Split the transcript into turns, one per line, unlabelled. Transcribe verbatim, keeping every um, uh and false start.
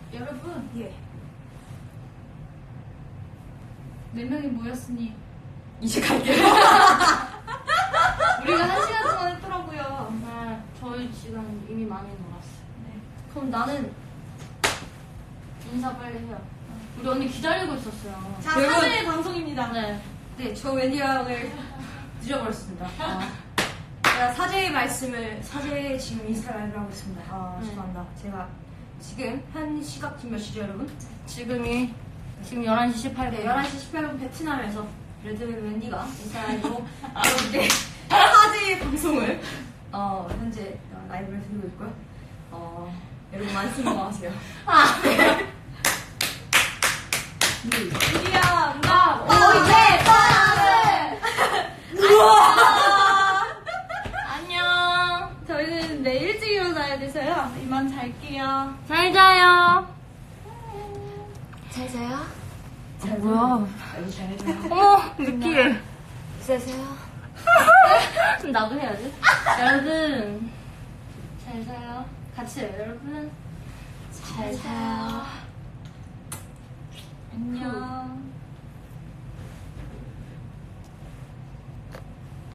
여러분,
예.
네 명이 모였으니
이제 갈게요.
우리가 한 시간 동안 했더라고요.
네, 저희 지금 이미 많이 놀았어요.
네.
그럼 나는 인사 빨리 해요. 우리 언니 기다리고 있었어요.
자,
여러분.
삼 일 방송입니다.
네.
네, 저 웬디 양을 늦어버렸습니다. 아, 제가 사제의 말씀을, 사제의 지금 인스타 라이브를 하고 있습니다. 아,
네.
죄송합니다. 제가 지금 한 시각 지금 몇 시죠, 여러분?
지금이 지금 열한 시 십팔 분.
네, 열한 시 십팔 분 베트남에서 레드벨벳 웬디가 인스타 라이브로 여러분께 사제의 방송을 어, 현재 라이브를 드리고 있고요. 어, 여러분 많이 수고하세요.
아,
드디어 누가
아,
오, 예!
안녕.
저희는 내일 일찍 일어나야 돼서요. 이만 잘게요.
잘 자요.
잘 자요?
어, 뭐야?
아주 잘해줘요.
어머, 느끼해.
세세요?
나도 해야지. 여러분, 잘 자요. 같이 해요, 여러분. 잘 자요.